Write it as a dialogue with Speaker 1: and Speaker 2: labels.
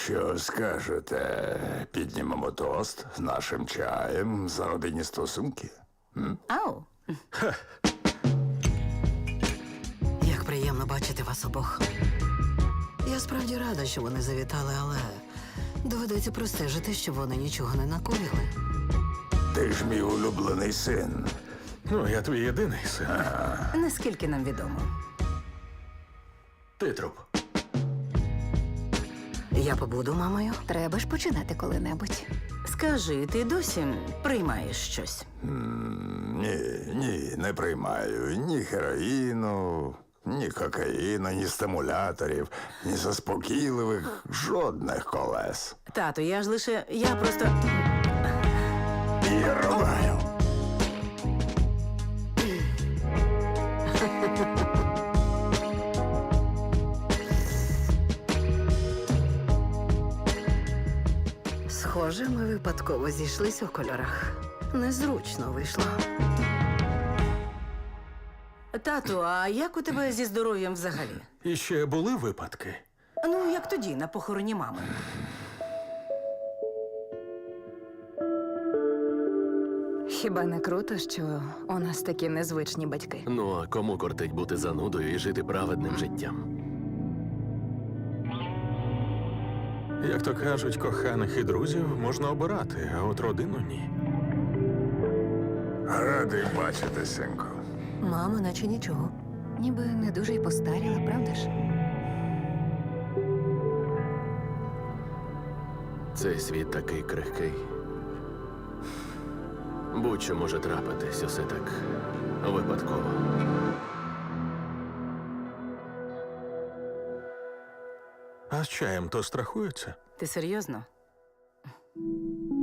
Speaker 1: Що скажете? Піднімемо тост з нашим чаєм за родинні стосунки?
Speaker 2: Ау.
Speaker 3: Як приємно бачити вас обох. Я справді рада, що вони завітали, але доведеться простежити, щоб вони нічого не накоїли.
Speaker 1: Ти ж мій улюблений син.
Speaker 4: Ну, я твій єдиний син.
Speaker 2: Наскільки нам відомо.
Speaker 4: Ти труп.
Speaker 3: Я побуду мамою.
Speaker 5: Треба ж починати коли-небудь.
Speaker 2: Скажи, ти досі приймаєш щось?
Speaker 1: Ні, не приймаю ні героїну, ні кокаїну, ні стимуляторів, ні заспокійливих, жодних колес.
Speaker 2: Тату, я просто...
Speaker 1: І рубаю.
Speaker 3: Схоже, ми випадково зійшлися у кольорах. Незручно вийшло.
Speaker 2: Тату, а як у тебе зі здоров'ям взагалі?
Speaker 4: І ще були випадки.
Speaker 2: Ну, як тоді, на похороні мами.
Speaker 5: Хіба не круто, що у нас такі незвичні батьки?
Speaker 6: Ну, а кому кортить бути занудою і жити праведним життям?
Speaker 4: Як то кажуть, коханих і друзів можна обирати, а от родину ні.
Speaker 1: Радий бачити, синку.
Speaker 3: Мама, наче нічого.
Speaker 5: Ніби не дуже й постаріла, правда ж?
Speaker 6: Цей світ такий крихкий. Будь-що може трапитись, усе так випадково.
Speaker 4: А з чаєм то страхуються?
Speaker 2: Ти серйозно?